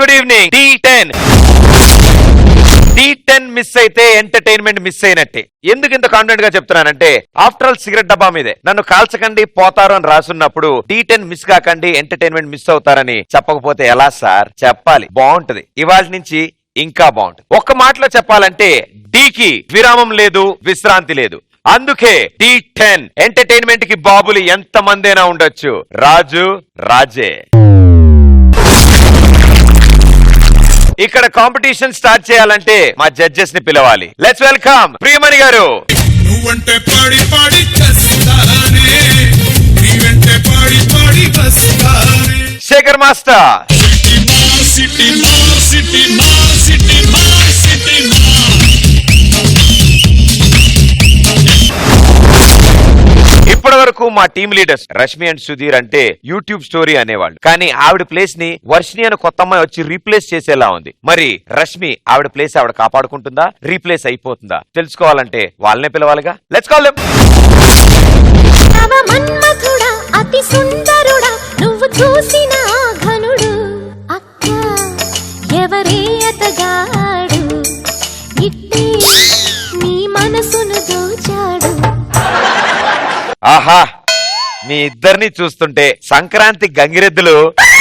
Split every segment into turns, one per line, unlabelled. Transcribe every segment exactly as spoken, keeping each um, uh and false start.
Good evening. T ten T ten miss అయితే entertainment miss అయినట్టే. ఎందుకు ఇంత కాన్ఫిడెంట్ గా చెప్తున్నానంటే ఆఫ్టర్ ఆల్ సిగరెట్ డబ్బా మీదే నన్ను కాల్చకండి పోతారు అని రాసున్నప్పుడు టీ టెన్ మిస్ కాకండి ఎంటర్టైన్మెంట్ మిస్ అవుతారని చెప్పకపోతే ఎలా సార్? చెప్పాలి, బాగుంటది. ఇవాళ నుంచి ఇంకా బాగుంటది. ఒక్క మాటలో చెప్పాలంటే డీకి విరామం లేదు, విశ్రాంతి లేదు. అందుకే టీ టెన్ ఎంటర్టైన్మెంట్ కి బాబులు ఎంత మందైనా ఉండొచ్చు, రాజు రాజే. ఇక్కడ కాంపిటీషన్ స్టార్ట్ చేయాలంటే మా జడ్జెస్ ని పిలవాలి. లెట్స్ వెల్కమ్ ప్రియమణి గారు.
నువ్వంటే పాడి పాడి చస్తానే, నీవంటే పాడి పాడి బస్తానే.
శేఖర్ మాస్టర్.
సిటీ మా సిటీ మా సిటీ మా సిటీ మా.
ఇప్పటి వరకు మా team leaders Rashmi and Sudheer అంటే యూట్యూబ్ స్టోరీ అనేవాళ్ళు. కానీ ఆవిడ ప్లేస్ ని వర్షిని అని కొత్త అమ్మాయి వచ్చి రీప్లేస్ చేసేలా ఉంది. మరి రష్మి ఆవిడ ప్లేస్ ఆవిడ కాపాడుకుంటుందా, రీప్లేస్ అయిపోతుందా? తెలుసుకోవాలంటే వాళ్ళనే పిలవాలిగా. Let's call them.
అతి సుందరుడా నువ్వు చూసిన ఘనుడు అక్క ఎవరే అతగాడు ఇట్టే నీ మనసును దోచాడు.
ఆహా, మీ ఇద్దరిని చూస్తుంటే సంక్రాంతి గంగిరెద్దులు,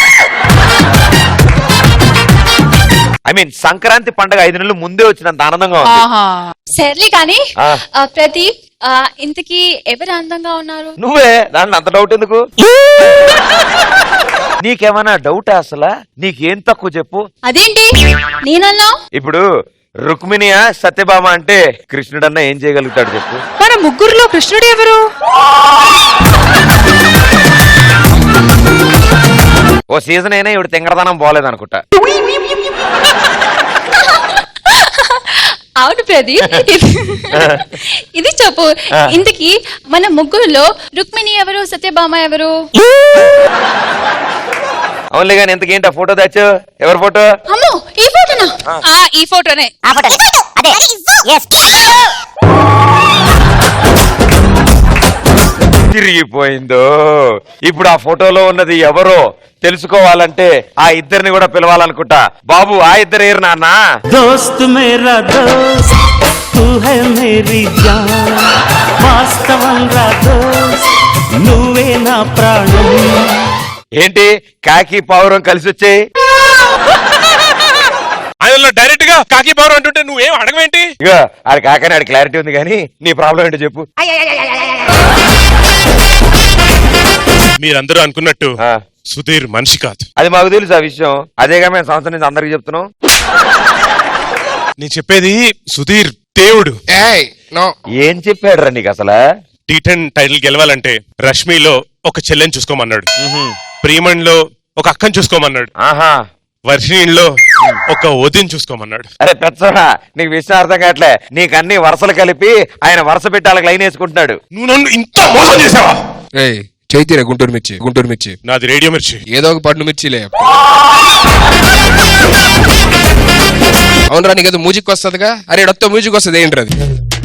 ఐ మీన్ సంక్రాంతి పండుగ ఐదు నెలలు ముందే వచ్చినంత ఆనందంగా ఉంది.
సర్లే కానీ ప్రదీప్, ఇంతకీ ఎవరు అందంగా ఉన్నారు?
నువ్వే. దాంట్లో అంత డౌట్ ఎందుకు? నీకేమన్నా డౌట్ అసలు? నీకేం తక్కువ చెప్పు.
అదేంటి నేనన్నా?
ఇప్పుడు రుక్మిణియా సత్యభామ అంటే కృష్ణుడన్నా ఏం చేయగలుగుతాడు చెప్పు?
మన ముగ్గురులో కృష్ణుడు ఎవరు?
ఓ సీజన్ అయినా ఇవిడ తింగరదనం పోలేదనుకుంటా.
అవును ప్రదీప్, ఇది చెప్పు, ఇంతకీ మన ముగ్గురులో రుక్మిణి ఎవరు, సత్యభామ ఎవరు?
అవునులే గాని ఎంతకేంటి ఆ ఫోటో తెచ్చు? ఎవరి ఫోటో?
అమ్మో, ఈ ఫోటోనా? ఈ ఫోటోనే.
తిరిగిపోయిందో. ఇప్పుడు ఆ ఫోటోలో ఉన్నది ఎవరో తెలుసుకోవాలంటే ఆ ఇద్దరిని కూడా పిలవాలనుకుంటా. బాబు, ఆ ఇద్దరు ఏరు నాన్న.
దోస్త్ మేరా దోస్త్ తూ హై మేరీ జాన్, వాస్తవం రా దోస్త్ నువ్వే నా ప్రాణం.
ఏంటి కాకి పావురం కలిసి వచ్చాయి?
ఆయన డైరెక్ట్ గా కాకి పవర్ అంటుంటే నువ్వేం అడగవేంటి?
ఇగో ఆడి కాకని ఆడి క్లారిటీ ఉంది కానీ నీ ప్రాబ్లం ఏంటో చెప్పు.
మీరందరూ అనుకున్నట్టు
ఆ,
సుధీర్ మనిషి కాదు.
అది మాకు తెలుసు ఆ విషయం. అదేగా మేము సంవత్సరం నుంచి అందరికి చెప్తున్నాం.
నేను చెప్పేది సుధీర్ దేవుడు.
ఏం చెప్పాడు రా నీకు అసలు?
టీ టెన్ టైటిల్ గెలవాలంటే రష్మిలో ఒక చెల్లెని చూసుకోమన్నాడు, ప్రియమణిలో ఒక అక్కని చూసుకోమన్నాడు,
ఆహా,
వర్షిణిలో ఒక వదిని చూసుకోమన్నాడు.
అరే పెచ్చోడా, నీకు విషయం అర్థం కావట్లే. నీకు అన్ని వరుసలు కలిపి ఆయన వరుస పెట్టి వాళ్ళకి లైన్ వేసుకుంటున్నాడు.
నువ్వు నన్ను ఇంత మోసం చేసావా?
చైతీరా గుంటూరు మిర్చి, గుంటూరు మిర్చి
నాది రేడియో మిర్చి.
ఏదో ఒక పండు మిర్చిలే. అవునరా, నీకు మ్యూజిక్ వస్తుందిగా. అరే డొత్తో మ్యూజిక్ వస్తుంది ఏంటి అది?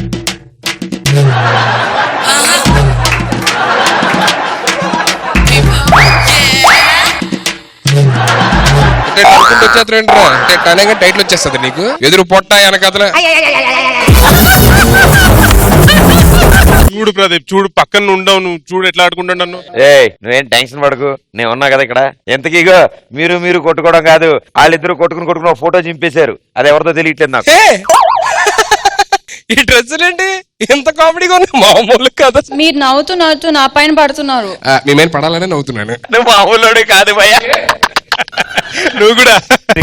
వచ్చేస్తారేంట్రా అంటే టనేగా టైటిల్ వచ్చేస్తుంది నీకు. ఎదురు పొట్ట వెనకదల.
చూడు ప్రదీప్, చూడు పక్కన ఉండవు, నువ్వు చూడు ఎట్లా ఆడుకుంటాను నన్ను.
ఏ నువ్వేం టెన్షన్ పడకు, నేను ఉన్నా కదా ఇక్కడ. ఎంతకీగో మీరు మీరు కొట్టుకోవడం కాదు, వాళ్ళిద్దరు కొట్టుకుని కొట్టుకుని ఒక ఫోటో చింపేశారు. అది ఎవరితో తెలియట్లేదు నాకు.
ఈ డ్రెస్సులేంటి ఎంత కామెడీగా ఉంది, మామూలు కదా.
మీరు నవ్వుతూ నవ్వుతూ నా పైన పడుతున్నారు.
మేమేం పడాలనే నవ్వుతున్నాను.
నువ్వు మామూలుడే కాదు భయ్యా,
నువ్వు కూడా.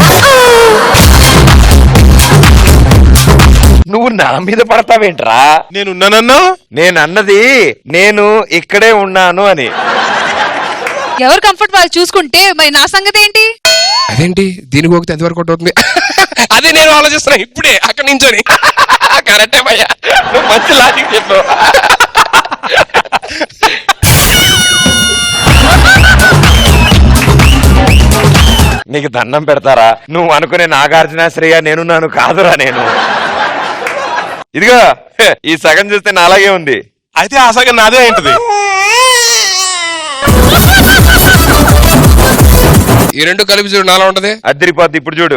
నువ్వు నా మీద పడతావేంట్రా?
నేనున్నానన్నా?
నేను అన్నది నేను ఇక్కడే ఉన్నాను అని.
ఎవరు కంఫర్ట్ వాళ్ళు చూసుకుంటే మరి నా సంగతి ఏంటి?
అదేంటి దీనికి పోతే అది వరకు అవుతుంది. అదే నేను ఆలోచిస్తున్నా ఇప్పుడే అక్కడి నుంచోని. కరెక్టే భయ్యా,
నువ్వు మంచి లాజిక్ చెప్పు. నీకు దండం పెడతారా? నువ్వు అనుకునే నాగార్జున శ్రేయ నేనున్నాను కాదురా నేను. ఇదిగో ఈ సగం చూస్తే నా అలాగే ఉంది.
అయితే ఆ సగం నాదే ఏంటిది?
ఈ రెండు కలిపి చూడు నాలా ఉంటది.
అద్దరిపోద్ది. ఇప్పుడు చూడు.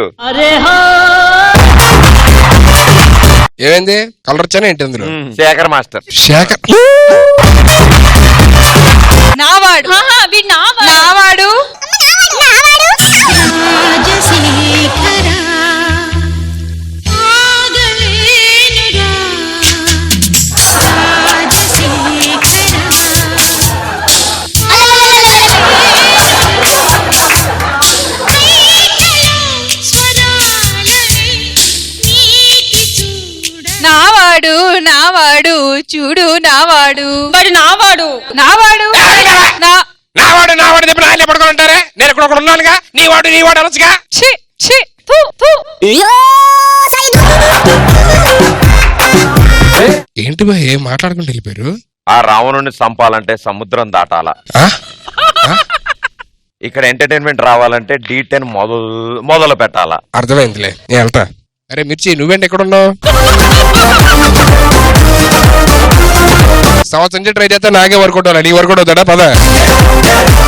ఏమైంది? కలర్ వచ్చానే ఏంటి అందులో?
ఉమ్, శేఖర్ మాస్టర్.
శేఖర్
నావాడు వీడు నావాడు నావాడు నావాడు చూడు నావాడు వాడు నావాడు నావాడు నా
నావాడు నావాడు చెప్పిన ఆయన పడుకొని ఉంటారే. నేను ఇక్కడ ఒకడు ఉన్నానుగా. నీ వాడు నీ వాడు అనొచ్చుగా.
ఛీ ఛీ ఫు ఫు
ఏంటి బా ఏం మాట్లాడుకుంటూ వెళ్ళిపోయారు?
ఆ రావణుని చంపాలంటే సముద్రం దాటాల.
ఆ?
ఇక్కడ ఎంటర్టైన్మెంట్ రావాలంటే డీ టెన్ మొదలు మొదలు పెట్టాలా.
అర్థమైందిలే, నేను వెళ్తా. అరే మిర్చి నువ్వేంటి ఎక్కడ ఉన్నావు? సంవత్సరం నుంచి ట్రై చేస్తా నాకే వర్కౌట్ అవ్వాలి. నీ వర్కౌట్ అవుతాడా? పద.